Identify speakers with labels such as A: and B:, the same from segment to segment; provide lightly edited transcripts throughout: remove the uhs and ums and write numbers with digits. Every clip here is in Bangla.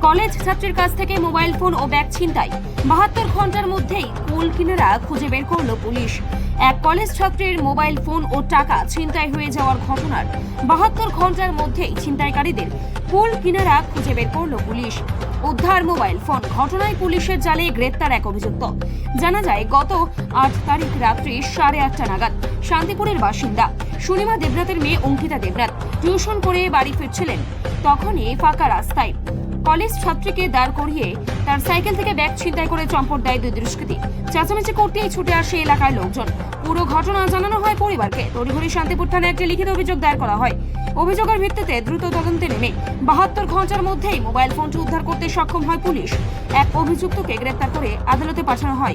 A: কলেজ ছাত্রের কাছ থেকে মোবাইল ফোন ও ব্যাগ ছিনতাই। 72 ঘন্টার মধ্যেই কুল কিনারা খুঁজে বের করলো পুলিশ। এক কলেজ ছাত্রের মোবাইল ফোন ও টাকা ছিনতাই হয়ে যাওয়ার ঘটনার 72 ঘন্টার মধ্যেই ছিনতাইকারীদের কুল কিনারা খুঁজে বের করলো পুলিশ। উদ্ধার মোবাইল ফোন। ঘটনায় পুলিশের জালে গ্রেপ্তার এক অভিযুক্ত। জানা যায় গত 8 তারিখ রাত্রি 8:30 নাগাদ শান্তিপুরের বাসিন্দা সুনিমা দেবনাথের মেয়ে অঙ্কিতা দেবনাথ টিউশন করে বাড়ি ফিরছিলেন। তখনই ফাঁকা রাস্তায় কলেজ ছাত্রীকে দাঁড় করিয়ে তার সাইকেল থেকে ব্যাগ ছিনতাই করে চম্পট দেয় দুই দুষ্কৃতী। চেঁচামেচি করতেই ছুটে আসে এলাকার লোকজন। পুরো ঘটনা জানানো হয় পরিবারকে। তড়িঘড়ি শান্তিপুর থানায় একটি লিখিত অভিযোগ দায়ের করা হয়। অভিযোগের ভিত্তিতে দ্রুত তদন্তে নেমে 72 ঘন্টার মধ্যেই মোবাইল ফোনটি উদ্ধার করতে সক্ষম হয় পুলিশ। এক অভিযুক্তকে গ্রেপ্তার করে আদালতে পাঠানো হয়।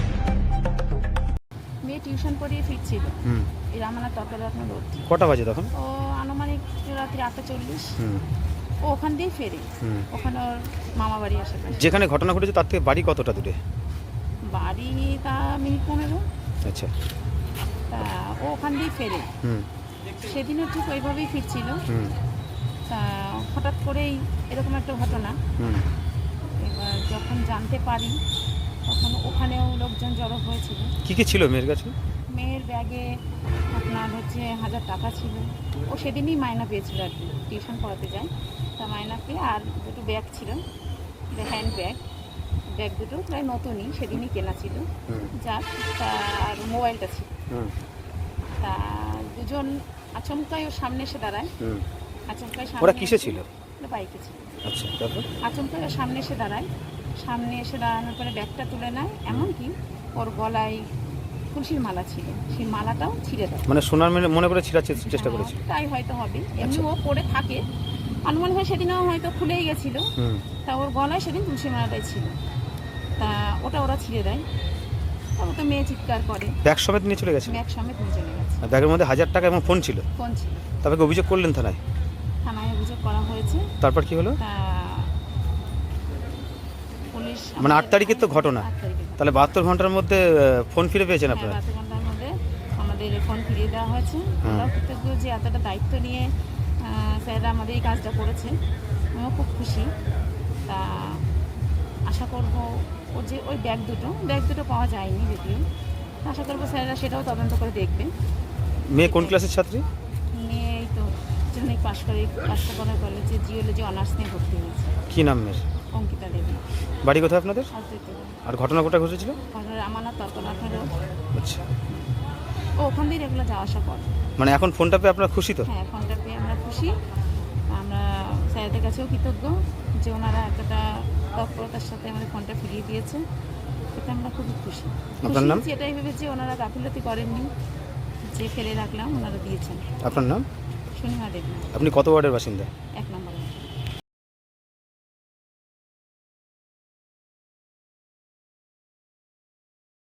B: মেয়ে টিউশন পড়িয়ে ফিরছিল এই রামানা তর্করত্ন রোড।
C: কটা বাজে তখন?
B: ও আনুমানিক রাত্রি 8:40। ও ওখান দিয়ে ফেরে। ওখানে ওর মামা বাড়ি আশেপাশে।
C: যেখানে ঘটনা ঘটেছে তার থেকে বাড়ি কতটা দূরে?
B: বাড়ি তা মিনিট 15।
C: আচ্ছা।
B: তা ও ওখান দিয়ে ফেরে। সেদিনও ঠিক ওইভাবেই ফিরছিল। তা হঠাৎ করেই এরকম একটা ঘটনা। এবার যখন জানতে পারি তখন ওখানেও লোকজন জড়ো হয়েছিল।
C: কি কি ছিল মেয়ের কাছে?
B: মেয়ের ব্যাগে আপনার 1000 টাকা ছিল। ও সেদিনই মায়না পেয়েছিল আর কি, টিউশন পড়াতে যায়। তা মায়না পেয়ে আর দুটো ব্যাগ ছিল, হ্যান্ড ব্যাগ। ব্যাগ দুটো প্রায় নতুনই, সেদিনই কেনা ছিল। যার তার মোবাইলটা ছিল। তা দুজন আচমকাই ওর সামনে এসে দাঁড়ায়। আচমকাই
C: ওরা কিসে ছিল?
B: বাইকে ছিল।
C: আচ্ছা, তারপর?
B: আচমকাই ওর সামনে এসে দাঁড়ায়। সামনে এসে দাঁড়ানোর পরে ব্যাগটা তুলে নেয়। এমনকি ওর গলায় তুলসীর মালা ছিল, সেই মালাটাও ছিঁড়ে দেয়।
C: মানে সোনার মনে করে ছিঁড়ার চেষ্টা করেছিল।
B: তাই হয়তো হবে, এমনি ও পরে থাকে। অনুমান হয় সেদিনও হয়তো খুলেই গেছিল। তা ওর গলায় সেদিন তুলসী মালাটাই ছিল। তা ওরা ছিঁড়ে দেয়। তারপর তো মেয়ে চিৎকার করে।
C: ব্যাগ সমেত নিয়ে চলে গেছে?
B: ব্যাগ সমেত নিয়ে চলে গেছে।
C: ব্যাগের মধ্যে 1000 টাকা এবং ফোন ছিল?
B: ফোন ছিল।
C: তারপরে অভিযোগ করলেন থানায়?
B: থানায় অভিযোগ করা হয়েছে।
C: তারপর কি হলো?
B: তা পুলিশ
C: মানে 8 তারিখের তো ঘটনা,
B: 8 তারিখে।
C: তাহলে 72 ঘন্টার মধ্যে ফোন ফিরে পেয়েছেন আপনারা?
B: 72 ঘন্টার মধ্যে আমাদের ফোন ফিরিয়ে দেওয়া হয়েছে। আমরা কৃতজ্ঞ যে এতটা দায়িত্ব নিয়ে স্যাররা আমাদের এই কাজটা করেছে। আমিও খুব খুশি। তা আশা করব ও যে ওই ব্যাগ দুটো পাওয়া যায়নি যদিও। আশা করবো স্যাররা সেটাও তদন্ত করে দেখবে।
C: মেয়ে কোন ক্লাসের ছাত্রী?
B: মেয়ে এই তো যেখানে পাঁচটা কলেজে জিওলজি অনার্স নিয়ে ভর্তি হয়েছে।
C: কি নাম মেয়ের?
B: অঙ্কিতা দেবী।
C: বাড়ি কোথায় আপনাদের? আর ঘটনা কোথায় ঘটেছিল?
B: রামানা তর্করত্ন রোড।
C: আচ্ছা।
B: ও ওখান দিয়ে রেগুলার যাওয়া আসা করে।
C: মানে এখন ফোনটা পেয়ে আপনারা খুশি তো?
B: হ্যাঁ, ফোনটা পেয়ে আমরা খুশি। আমরা স্যারদের কাছেও কৃতজ্ঞ যে ওনারা এতটা তৎপরতার সাথে আমাদের ফোনটা ফিরিয়ে দিয়েছে। এতে আমরা খুবই খুশি।
C: আপনার নাম?
B: এটাই ভেবেছি ওনারা গাফিলতি করেননি, যে ফেলে রাখলাম ওনারা দিয়েছেন।
C: আপনার নাম?
B: সুনিমা দেবী।
C: আপনি কত ওয়ার্ডের বাসিন্দা?
B: 1 নম্বর।